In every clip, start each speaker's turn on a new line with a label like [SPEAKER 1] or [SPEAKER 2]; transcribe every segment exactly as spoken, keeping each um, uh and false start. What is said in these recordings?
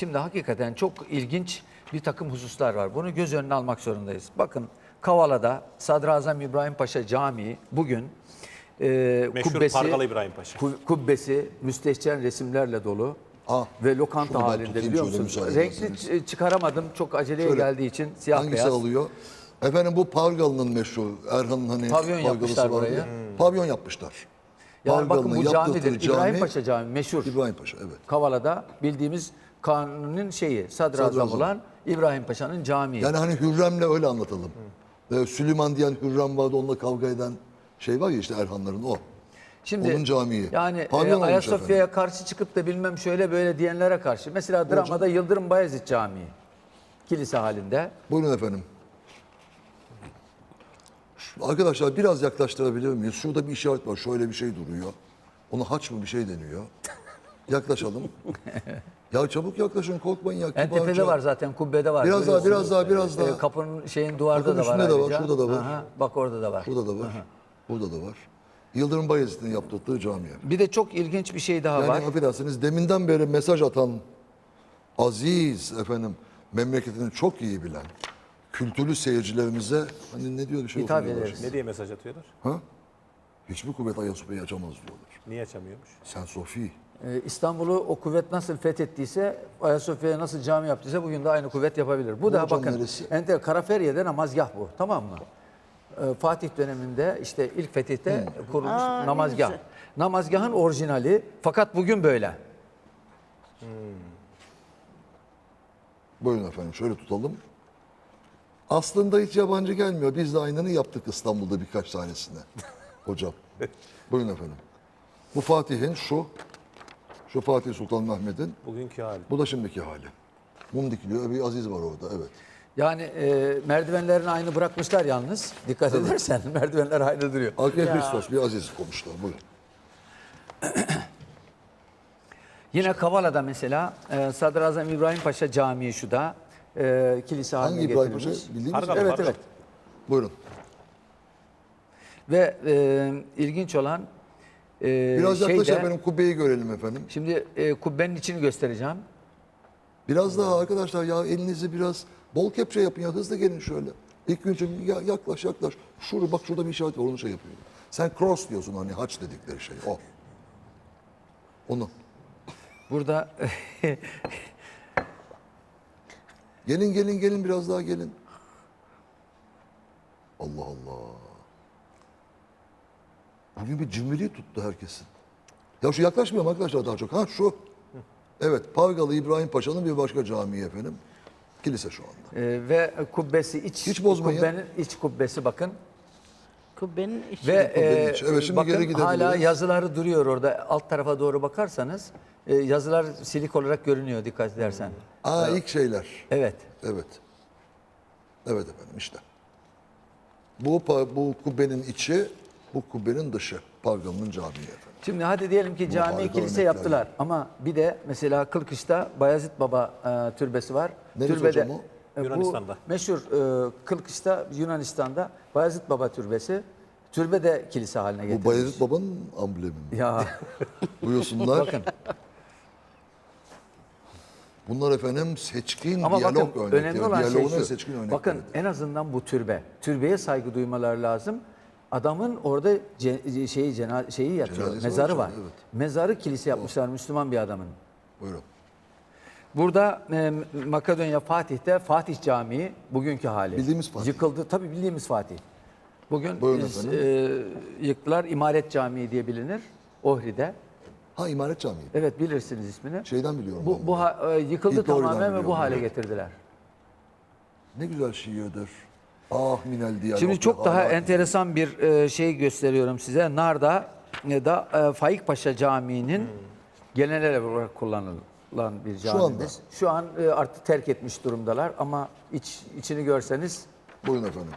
[SPEAKER 1] Şimdi hakikaten çok ilginç bir takım hususlar var. Bunu göz önüne almak zorundayız. Bakın Kavala'da Sadrazam İbrahim Paşa Camii bugün e,
[SPEAKER 2] Meşhur
[SPEAKER 1] kubbesi,
[SPEAKER 2] Pargalı İbrahim Paşa.
[SPEAKER 1] ku- kubbesi müstehcen resimlerle dolu.
[SPEAKER 3] Ah,
[SPEAKER 1] Ve lokanta
[SPEAKER 3] şunu ben
[SPEAKER 1] halinde
[SPEAKER 3] tutayım
[SPEAKER 1] biliyor
[SPEAKER 3] şöyle
[SPEAKER 1] musunuz?
[SPEAKER 3] müsaade
[SPEAKER 1] Renkli
[SPEAKER 3] ederseniz.
[SPEAKER 1] ç- çıkaramadım. Çok aceleye
[SPEAKER 3] Şöyle,
[SPEAKER 1] geldiği için siyah
[SPEAKER 3] Hangisi
[SPEAKER 1] beyaz.
[SPEAKER 3] alıyor? Efendim bu Pargalı'nın meşhur. Erhan'ın hani
[SPEAKER 1] Pavyon
[SPEAKER 3] Pargalısı
[SPEAKER 1] yapmışlar
[SPEAKER 3] vardı.
[SPEAKER 1] buraya.
[SPEAKER 3] Pavyon yapmışlar.
[SPEAKER 1] Yani bakın
[SPEAKER 3] Pargalı'nın
[SPEAKER 1] bu
[SPEAKER 3] yaptırdığı
[SPEAKER 1] camidir.
[SPEAKER 3] cami,
[SPEAKER 1] İbrahim Paşa Camii meşhur.
[SPEAKER 3] İbrahim Paşa, evet.
[SPEAKER 1] Kavala'da bildiğimiz kanunun şeyi sadrazam,
[SPEAKER 3] Sadrazam.
[SPEAKER 1] olan İbrahim Paşa'nın camii.
[SPEAKER 3] Yani hani Hürrem'le öyle anlatalım. Ee, Süleyman diyen Hürrem vardı, onunla kavga eden şey var ya işte Erhanların o.
[SPEAKER 1] Şimdi
[SPEAKER 3] Onun camii.
[SPEAKER 1] yani e,
[SPEAKER 3] Pavyon olmuş
[SPEAKER 1] Ayasofya'ya karşı çıkıp da bilmem şöyle böyle diyenlere karşı. Mesela dramada Yıldırım Bayezid Camii. Kilise halinde.
[SPEAKER 3] Buyurun efendim. Arkadaşlar biraz yaklaştırabilir miyiz? Şurada bir işaret var. Şöyle bir şey duruyor. Ona haç mı bir şey deniyor. Yaklaşalım. Ya çabuk yaklaşın, korkmayın ya.
[SPEAKER 1] En tepede
[SPEAKER 3] kibarca.
[SPEAKER 1] var zaten, kubbede var.
[SPEAKER 3] Biraz daha,
[SPEAKER 1] görüyorsunuz.
[SPEAKER 3] biraz daha, biraz daha.
[SPEAKER 1] E, kapının şeyin duvarda
[SPEAKER 3] Bakın
[SPEAKER 1] da var
[SPEAKER 3] üstünde de var,
[SPEAKER 1] ayrıca.
[SPEAKER 3] şurada da var.
[SPEAKER 1] Aha, bak orada da var.
[SPEAKER 3] Burada da var. Burada da var. Yıldırım Bayezid'in yaptırdığı cami.
[SPEAKER 1] Bir de çok ilginç bir şey daha
[SPEAKER 3] Yani
[SPEAKER 1] var.
[SPEAKER 3] affedersiniz deminden beri mesaj atan aziz efendim memleketini çok iyi bilen kültürlü seyircilerimize hani ne diyor bir şey
[SPEAKER 1] Hitap
[SPEAKER 3] okumuyorlar
[SPEAKER 1] ederiz.
[SPEAKER 3] şimdi.
[SPEAKER 2] Ne diye mesaj atıyorlar?
[SPEAKER 3] Ha? Hiçbir kuvvet Ayasofya'yı açamaz diyorlar.
[SPEAKER 2] Niye açamıyormuş?
[SPEAKER 3] Sen Sofi.
[SPEAKER 1] Ee, İstanbul'u o kuvvet nasıl fethettiyse, Ayasofya'ya nasıl cami yaptıysa bugün de aynı kuvvet yapabilir. Bu da
[SPEAKER 3] hocam
[SPEAKER 1] bakın,
[SPEAKER 3] neresi?
[SPEAKER 1] enter Karaferiye'de namazgah bu, tamam mı? Ee, Fatih döneminde işte ilk fetihte kurulmuş
[SPEAKER 4] Aa, ne
[SPEAKER 1] namazgah.
[SPEAKER 4] güzel.
[SPEAKER 1] Namazgahın orijinali, fakat bugün böyle.
[SPEAKER 3] Buyurun efendim şöyle tutalım. Aslında hiç yabancı gelmiyor. Biz de aynını yaptık İstanbul'da birkaç tanesine. Hocam. Buyurun efendim. Bu Fatih'in şu. Şu Fatih Sultan Mehmet'in.
[SPEAKER 2] Bugünkü hali.
[SPEAKER 3] Bu da şimdiki hali. Mum dikiliyor. Bir Aziz var orada. Evet.
[SPEAKER 1] Yani e, merdivenlerini aynı bırakmışlar yalnız. Dikkat edersen merdivenler aynı duruyor.
[SPEAKER 3] Arkaya Hristos bir Aziz koymuşlar. Buyurun.
[SPEAKER 1] Yine Kavala'da mesela e, Sadrazam İbrahim Paşa Camii şu da e, kilise haline
[SPEAKER 3] Hangi İbrahim Paşa?
[SPEAKER 1] getirilmiş.
[SPEAKER 3] Bildiğiniz
[SPEAKER 2] Pargalı,
[SPEAKER 3] mi?
[SPEAKER 1] Evet
[SPEAKER 2] Pargalı.
[SPEAKER 1] evet.
[SPEAKER 3] Buyurun.
[SPEAKER 1] Ve e, ilginç olan e,
[SPEAKER 3] Biraz yaklaş
[SPEAKER 1] şeyde,
[SPEAKER 3] efendim kubbeyi görelim efendim.
[SPEAKER 1] şimdi e, kubbenin içini göstereceğim.
[SPEAKER 3] Biraz daha arkadaşlar ya elinizi biraz bol kepçe yapın ya hızlı gelin şöyle. İlk gün için ya, yaklaş yaklaş. Şurada bak şurada bir işaret var onu şey yapıyor. Sen cross diyorsun hani haç dedikleri şey o. Onu.
[SPEAKER 1] Burada
[SPEAKER 3] Gelin gelin gelin biraz daha gelin. Allah Allah. Bugün bir cimriliği tuttu herkesin. Ya şu yaklaşmıyor mu arkadaşlar daha çok? Ha şu. Evet Pargalı İbrahim Paşa'nın bir başka camii efendim. Kilise şu anda.
[SPEAKER 1] e, ve kubbesi iç
[SPEAKER 3] Hiç bozmayın.
[SPEAKER 1] kubbenin iç kubbesi bakın.
[SPEAKER 4] Kubbenin içi.
[SPEAKER 1] Ve
[SPEAKER 3] kubbenin
[SPEAKER 1] e,
[SPEAKER 3] içi. Evet, şimdi
[SPEAKER 1] bakın
[SPEAKER 3] geri gidebiliriz.
[SPEAKER 1] hala yazıları duruyor orada. Alt tarafa doğru bakarsanız e, yazılar silik olarak görünüyor dikkat edersen.
[SPEAKER 3] Aa ilk şeyler.
[SPEAKER 1] Evet.
[SPEAKER 3] Evet. Evet efendim işte. Bu pa- bu kubbenin içi, bu kubbenin dışı. Pargalı'nın camii efendim.
[SPEAKER 1] Şimdi hadi diyelim ki cami
[SPEAKER 3] harika
[SPEAKER 1] kilise
[SPEAKER 3] örnekler.
[SPEAKER 1] yaptılar ama bir de mesela Kılkış'ta Bayezid Baba e, türbesi var.
[SPEAKER 3] Neresi
[SPEAKER 1] Türbede
[SPEAKER 3] hocam o?
[SPEAKER 1] e, bu
[SPEAKER 2] Yunanistan'da.
[SPEAKER 1] meşhur e, Kılkış'ta Yunanistan'da Bayezid Baba türbesi. Türbe de kilise haline
[SPEAKER 3] Bu
[SPEAKER 1] getirilmiş.
[SPEAKER 3] Bayezid Baba'nın amblemi mi?
[SPEAKER 1] Ya
[SPEAKER 3] Buyursunlar.
[SPEAKER 1] bakın
[SPEAKER 3] Bunlar efendim seçkin
[SPEAKER 1] ama
[SPEAKER 3] diyalog
[SPEAKER 1] bakın
[SPEAKER 3] örnekleri.
[SPEAKER 1] önemli olan şey
[SPEAKER 3] Diyaloğun en
[SPEAKER 1] şu.
[SPEAKER 3] seçkin örnekleri.
[SPEAKER 1] Bakın en azından bu türbe. Türbeye saygı duymaları lazım. Adamın orada ce, şeyi cena, şeyi yatıyor.
[SPEAKER 3] Cenazesi var
[SPEAKER 1] Mezarı
[SPEAKER 3] içeride,
[SPEAKER 1] var.
[SPEAKER 3] evet.
[SPEAKER 1] Mezarı kilise yapmışlar Müslüman bir adamın.
[SPEAKER 3] Buyurun.
[SPEAKER 1] Burada e, Makedonya Fatih'te Fatih Camii bugünkü hali.
[SPEAKER 3] Bildiğimiz Fatih.
[SPEAKER 1] Yıkıldı. Tabii bildiğimiz Fatih. Bugün
[SPEAKER 3] Buyurun
[SPEAKER 1] biz,
[SPEAKER 3] efendim.
[SPEAKER 1] e, yıktılar. İmaret Camii diye bilinir. Ohri'de.
[SPEAKER 3] Ha İmaret Camii.
[SPEAKER 1] Evet bilirsiniz ismini.
[SPEAKER 3] Şeyden biliyorum.
[SPEAKER 1] Bu,
[SPEAKER 3] ben
[SPEAKER 1] bu
[SPEAKER 3] bunu.
[SPEAKER 1] ha- e, yıkıldı
[SPEAKER 3] İlk Ohri'den
[SPEAKER 1] tamamen ve bu
[SPEAKER 3] biliyorum,
[SPEAKER 1] hale
[SPEAKER 3] evet.
[SPEAKER 1] getirdiler.
[SPEAKER 3] Ne güzel şiirdir. Ah minel diyalog.
[SPEAKER 1] Şimdi çok daha enteresan bir e, şey gösteriyorum size. Nar'da e, da e, Faik Paşa Camii'nin genel olarak kullanılan bir camimiz. Şu, an e, artık terk etmiş durumdalar ama iç içini görseniz
[SPEAKER 3] Buyurun efendim.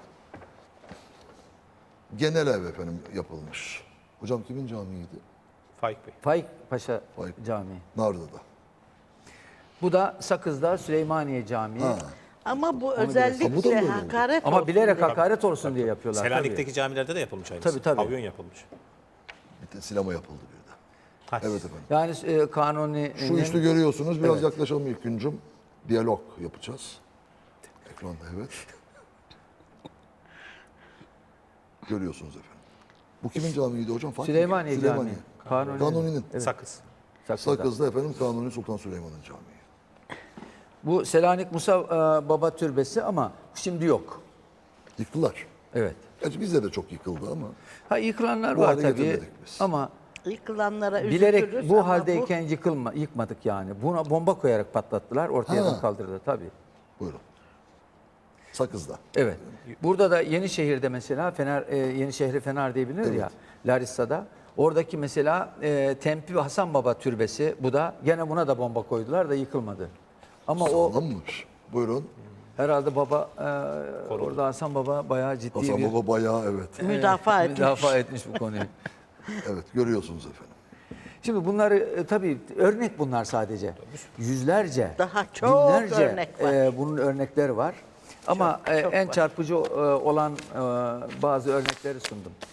[SPEAKER 3] Genel ev efendim yapılmış. Hocam kimin camiydi?
[SPEAKER 2] Faik Bey.
[SPEAKER 1] Faik Paşa
[SPEAKER 3] Faik.
[SPEAKER 1] Camii.
[SPEAKER 3] Narlı'da.
[SPEAKER 1] Bu da Sakız'da Süleymaniye Camii.
[SPEAKER 3] Ha.
[SPEAKER 4] Ama bu
[SPEAKER 3] Ha, bu da
[SPEAKER 4] özellikle
[SPEAKER 3] mı böyle oldu?
[SPEAKER 4] hakaret
[SPEAKER 1] Ama
[SPEAKER 4] olsun
[SPEAKER 1] bilerek
[SPEAKER 4] diye.
[SPEAKER 1] hakaret olsun diye yapıyorlar.
[SPEAKER 2] Selanik'teki camilerde de yapılmış aynısı.
[SPEAKER 1] Tabii, tabii.
[SPEAKER 2] Pavyon yapılmış.
[SPEAKER 3] Bir de sinema yapıldı bir de.
[SPEAKER 2] Haç.
[SPEAKER 3] Evet efendim.
[SPEAKER 1] Yani e, Kanuni
[SPEAKER 3] Şu üstü görüyorsunuz. Biraz yaklaşalım ilk güncüm. Diyalog yapacağız. Ekranda evet. Görüyorsunuz efendim. Bu kimin camiydi hocam? Fatih mi?
[SPEAKER 1] Süleymaniye Camii. Kanuni.
[SPEAKER 3] Kanuni'nin.
[SPEAKER 2] Sakız.
[SPEAKER 1] Sakız'da.
[SPEAKER 3] Sakız'da efendim Kanuni Sultan Süleyman'ın camii.
[SPEAKER 1] Bu Selanik Musa e, Baba Türbesi ama şimdi yok.
[SPEAKER 3] Yıktılar.
[SPEAKER 1] Evet.
[SPEAKER 3] Gerçi bizde de çok yıkıldı ama
[SPEAKER 1] Ha yıkılanlar
[SPEAKER 3] Bu
[SPEAKER 1] var
[SPEAKER 3] hale
[SPEAKER 1] tabii
[SPEAKER 3] getirmedik biz.
[SPEAKER 1] ama
[SPEAKER 4] Yıkılanlara
[SPEAKER 1] bilerek
[SPEAKER 4] üzülürüz
[SPEAKER 1] bu
[SPEAKER 4] ama
[SPEAKER 1] haldeyken yıkılma, yıkmadık yani. Buna bomba koyarak patlattılar, ortadan
[SPEAKER 3] Ha.
[SPEAKER 1] kaldırdı tabii.
[SPEAKER 3] buyurun. Sakız'da.
[SPEAKER 1] Evet. Burada da Yenişehir'de mesela Fener e, Yenişehir'i Fener diye bilinir ya Larissa'da. Oradaki mesela e, Tempi ve Hasan Baba Türbesi bu da gene buna da bomba koydular da yıkılmadı. Ama o
[SPEAKER 3] Sağlammış. Buyurun.
[SPEAKER 1] herhalde baba e, orada Hasan Baba bayağı ciddi
[SPEAKER 3] Hasan
[SPEAKER 1] bir
[SPEAKER 3] Baba bayağı evet.
[SPEAKER 4] bu müdafaa etmiş.
[SPEAKER 1] müdafaa etmiş bu konuyu.
[SPEAKER 3] Evet görüyorsunuz efendim.
[SPEAKER 1] Şimdi bunları e, tabii örnek bunlar sadece. Yüzlerce,
[SPEAKER 4] Daha çok
[SPEAKER 1] binlerce
[SPEAKER 4] örnek var.
[SPEAKER 1] e, bunun örnekleri var. Ama
[SPEAKER 4] Çok,
[SPEAKER 1] e,
[SPEAKER 4] çok
[SPEAKER 1] en
[SPEAKER 4] var.
[SPEAKER 1] çarpıcı e, olan e, bazı örnekleri sundum.